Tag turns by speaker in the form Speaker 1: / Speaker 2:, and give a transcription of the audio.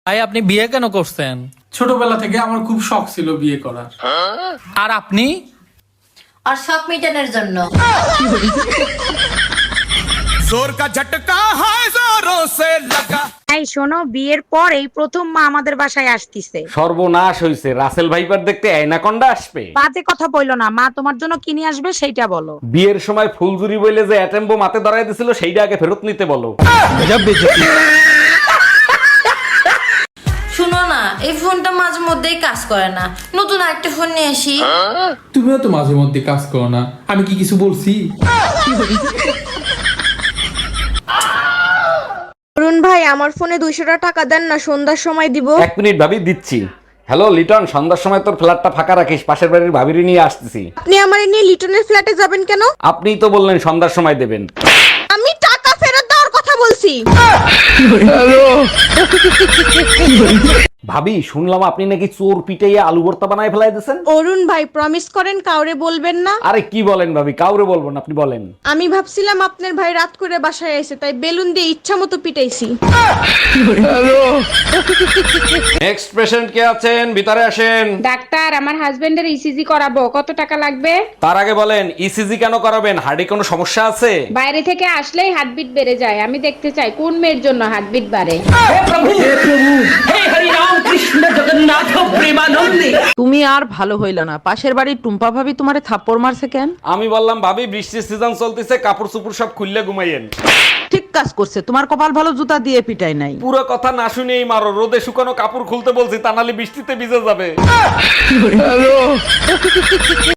Speaker 1: ভাই আপনি বিয়ে কেন করছেন?
Speaker 2: ছোটবেলা থেকে আমার খুব শখ ছিল বিয়ে করার।
Speaker 1: আর আপনি?
Speaker 3: আর শখ মেটানোর জন্য।
Speaker 4: जोर का झटका है जोरों से लगा।
Speaker 5: এই শোনো, বিয়ের পর এই প্রথম মা আমাদের বাসায় আসতিছে।
Speaker 6: সর্বনাশ হইছে, রাসেল ভাইপার দেখতে অ্যানাকন্ডা আসবে।
Speaker 5: বাজে কথা বইলো না, মা তোমার জন্য কি নিয়ে আসবে সেইটা বলো।
Speaker 6: বিয়ের সময় ফুলজুরি বইলে যে অ্যাটেম্বো মাতে ধরাই দিছিল সেইটা আগে ফেরত নিতে বলো।
Speaker 3: শুনো না, এই ফোনটা মাঝে মধ্যেই কাজ করে না, নতুন আরেকটা ফোন নিয়ে আসি।
Speaker 2: তুমিও তো মাঝে মধ্যে কাজ করো না, আমি কি কিছু বলছি?
Speaker 7: অরুণ ভাই, আমার ফোনে 200 টাকা দেন না, সন্ধ্যার সময় দিব।
Speaker 6: এক মিনিট ভাবি, দিচ্ছি। হ্যালো লিটন, সন্ধ্যার সময় তোর ফ্ল্যাটটা ফাঁকা রাখিস, পাশের বাড়ির ভাবিরি নিয়ে আসতেছি।
Speaker 7: আপনি আমার নিয়ে লিটনের ফ্ল্যাটে যাবেন কেন?
Speaker 6: আপনিই তো বললেন সন্ধ্যার সময় দেবেন।
Speaker 7: আমি টাকা ফেরত দেওয়ার কথা বলছি।
Speaker 6: ভাবি, শুনলাম আপনি নাকি চোর পিটাইয়া আলু ভর্তা বানায় ফেলাই দিয়েছেন।
Speaker 7: অরুণ ভাই, প্রমিস করেন কাউরে বলবেন না।
Speaker 6: আরে কি বলেন ভাবি, কাউরে বলবো না, আপনি বলেন।
Speaker 7: আমি ভাবছিলাম আপনার ভাই রাত করে বাসায় এসে, তাই বেলুন দিয়ে ইচ্ছা মতো পিটাইছি।
Speaker 6: নেক্সট পেশেন্ট কে আছেন? ভিতরে আসেন।
Speaker 5: ডাক্তার, আমার হাজবেন্ডের ইসিজি করাবো, কত টাকা লাগবে?
Speaker 6: তার আগে বলেন, ইসিজি কেন করাবেন? হার্টে কোনো সমস্যা আছে?
Speaker 5: বাইরে থেকে আসলেই হার্টবিট বেড়ে যায়, আমি দেখতে চাই কোন মেয়ের জন্য হার্টবিট বাড়ে।
Speaker 8: তুমি আর ভালো হইল না, পাশের বাড়ির টুম্পা ভাবি তোমারে থাপ্পড় মারছে কেন?
Speaker 6: আমি বললাম ভাবি, বৃষ্টির সিজন চলতেছে, কাপড় চুপড় সব খুললে ঘুমাইয়েন।
Speaker 8: ঠিক কাজ করছে, তোমার কপাল ভালো, জুতা দিয়ে পিটাই নাই।
Speaker 6: পুরো কথা না শুনেই মারো, রোদে শুকানো কাপড় খুলতে বলছি, তা নাহলে বৃষ্টিতে ভিজে যাবে।